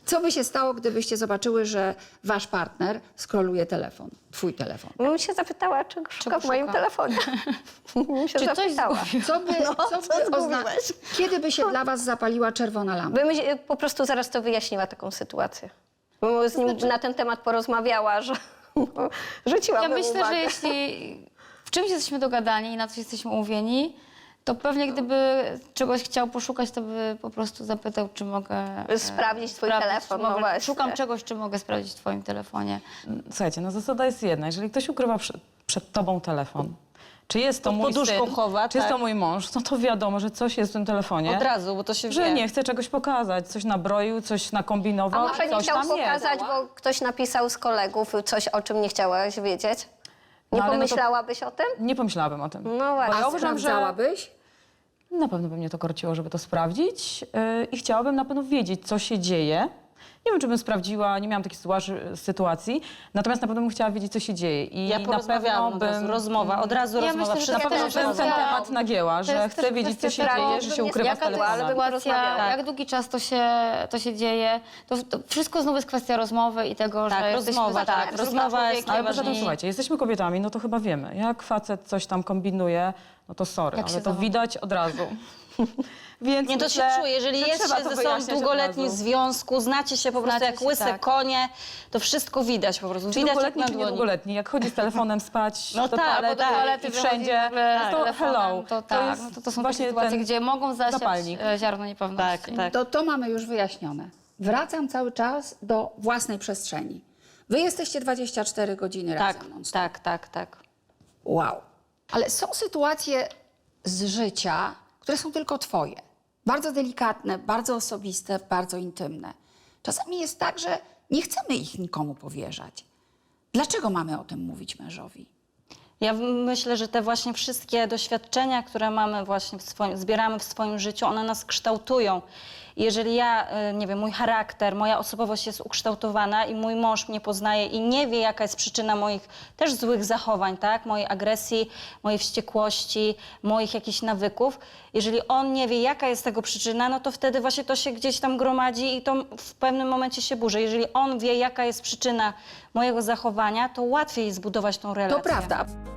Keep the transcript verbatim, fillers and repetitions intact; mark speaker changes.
Speaker 1: Co by się stało, gdybyście zobaczyły, że wasz partner skroluje telefon, twój telefon?
Speaker 2: Bym się zapytała, czego szuka w moim
Speaker 3: szuka?
Speaker 2: telefonie. Bym się
Speaker 3: Czy coś
Speaker 2: zapytała.
Speaker 3: zgubił?
Speaker 1: Co by,
Speaker 2: No,
Speaker 1: co
Speaker 2: co
Speaker 1: by ozna...
Speaker 2: zgubiłeś?
Speaker 1: Kiedy by się dla was zapaliła czerwona lampka?
Speaker 2: Bym się po prostu zaraz to wyjaśniła, taką sytuację. Bym z nim na ten temat porozmawiała, że rzuciłabym
Speaker 3: Ja myślę,
Speaker 2: uwagę.
Speaker 3: że jeśli w czymś jesteśmy dogadani i na coś jesteśmy umówieni, to pewnie gdyby czegoś chciał poszukać, to by po prostu zapytał, czy mogę... e,
Speaker 2: Sprawdzić twój
Speaker 3: sprawdzić,
Speaker 2: telefon,
Speaker 3: czy
Speaker 2: no
Speaker 3: mogę,
Speaker 2: właśnie.
Speaker 3: Szukam czegoś, czy mogę sprawdzić w twoim telefonie.
Speaker 4: Słuchajcie, no zasada jest jedna. Jeżeli ktoś ukrywa przed, przed tobą telefon, czy jest to
Speaker 5: Pod
Speaker 4: mój
Speaker 5: poduszką
Speaker 4: syn,
Speaker 5: chowa,
Speaker 4: czy jest
Speaker 5: tak.
Speaker 4: to mój mąż, no to wiadomo, że coś jest w tym telefonie.
Speaker 5: Od razu, bo to się
Speaker 4: Że
Speaker 5: wie.
Speaker 4: nie chce czegoś pokazać, coś nabroił, coś nakombinował,
Speaker 2: A może nie
Speaker 4: coś
Speaker 2: chciał
Speaker 4: tam jest.
Speaker 2: pokazać, bo ktoś napisał z kolegów coś, o czym nie chciałaś wiedzieć? Nie
Speaker 4: No, ale no to-
Speaker 2: pomyślałabyś o tym?
Speaker 4: Nie pomyślałabym o tym.
Speaker 2: No właśnie.
Speaker 4: Bo ja
Speaker 1: A
Speaker 4: uważam, że
Speaker 1: sprawdzałabyś?
Speaker 4: na pewno by mnie to korciło, żeby to sprawdzić yy, i chciałabym na pewno wiedzieć, co się dzieje. Nie wiem, czy bym sprawdziła, nie miałam takiej sytuacji- sytuacji, natomiast na pewno bym chciała wiedzieć, co się dzieje. I
Speaker 5: Ja
Speaker 4: na
Speaker 5: porozmawiałam od
Speaker 4: pewno
Speaker 5: razu,
Speaker 4: bym...
Speaker 5: rozmowa, od razu
Speaker 3: Ja
Speaker 5: rozmowa,
Speaker 3: myślę, że
Speaker 4: Na
Speaker 5: wszystko
Speaker 3: ja
Speaker 4: pewno
Speaker 3: też
Speaker 4: bym
Speaker 3: kwestia-
Speaker 4: ten temat nagięła,
Speaker 3: To
Speaker 4: że
Speaker 3: jest
Speaker 4: chcę
Speaker 3: też
Speaker 4: wiedzieć, co
Speaker 3: kwestia
Speaker 4: się
Speaker 3: tego,
Speaker 4: dzieje, że się
Speaker 2: bym
Speaker 4: ukrywa w
Speaker 3: Jaka to jest
Speaker 2: ale bym
Speaker 4: telefonie.
Speaker 3: sytuacja,
Speaker 2: porozmawiała.
Speaker 3: jak długi czas to się, to się dzieje. To, to wszystko znów jest kwestia rozmowy i tego,
Speaker 5: Tak,
Speaker 3: że jesteśmy
Speaker 5: rozmowa,
Speaker 3: za-
Speaker 5: tak,
Speaker 3: za
Speaker 5: rozmowa jest
Speaker 3: człowiekiem.
Speaker 4: Ale poza tym,
Speaker 5: najważniejsze.
Speaker 4: słuchajcie, jesteśmy kobietami, no to chyba wiemy. Jak facet coś tam kombinuje, no to sorry,
Speaker 3: Jak się
Speaker 4: ale to
Speaker 3: zachowuje.
Speaker 4: widać od razu. Więc
Speaker 5: Nie, to
Speaker 4: myślę,
Speaker 5: się czuje. Jeżeli
Speaker 4: że
Speaker 5: jest
Speaker 4: trzeba
Speaker 5: się
Speaker 4: to
Speaker 5: ze sobą
Speaker 4: wyjaśniać od
Speaker 5: długoletni
Speaker 4: razu.
Speaker 5: związku, znacie się po prostu
Speaker 3: Znacie
Speaker 5: jak
Speaker 3: się,
Speaker 5: łyse
Speaker 3: tak.
Speaker 5: konie, to wszystko widać po prostu.
Speaker 4: Czy
Speaker 5: Widać jak
Speaker 4: długoletni,
Speaker 5: na
Speaker 4: czy
Speaker 5: dłoni.
Speaker 4: niedługoletni, jak chodzi z telefonem spać
Speaker 5: No
Speaker 4: do
Speaker 5: tak,
Speaker 4: toalety,
Speaker 5: bo do
Speaker 3: toalety
Speaker 4: i
Speaker 3: wychodzi
Speaker 4: wszędzie,
Speaker 3: w ogóle
Speaker 4: to
Speaker 3: telefonem,
Speaker 4: hello.
Speaker 3: To, tak,
Speaker 4: jest
Speaker 3: no to, to są
Speaker 4: właśnie
Speaker 3: takie sytuacje,
Speaker 4: ten
Speaker 3: gdzie mogą zasiać
Speaker 4: zapalnik.
Speaker 3: e, ziarno niepewności.
Speaker 5: Tak, tak.
Speaker 1: To to mamy już wyjaśnione. Wracam cały czas do własnej przestrzeni. Wy jesteście dwadzieścia cztery godziny
Speaker 5: Tak,
Speaker 1: razem. non stop.
Speaker 5: tak, tak, tak.
Speaker 1: Wow. Ale są sytuacje z życia, które są tylko twoje. Bardzo delikatne, bardzo osobiste, bardzo intymne. Czasami jest tak, że nie chcemy ich nikomu powierzać. Dlaczego mamy o tym mówić mężowi?
Speaker 5: Ja myślę, że te właśnie wszystkie doświadczenia, które mamy właśnie w swoim, zbieramy w swoim życiu, one nas kształtują. I jeżeli ja, y, nie wiem, mój charakter, moja osobowość jest ukształtowana i mój mąż mnie poznaje i nie wie, jaka jest przyczyna moich też złych zachowań, tak? Mojej agresji, mojej wściekłości, moich jakichś nawyków. Jeżeli on nie wie, jaka jest tego przyczyna, no to wtedy właśnie to się gdzieś tam gromadzi i to w pewnym momencie się burzy. Jeżeli on wie, jaka jest przyczyna mojego zachowania, to łatwiej zbudować tą relację.
Speaker 1: To prawda.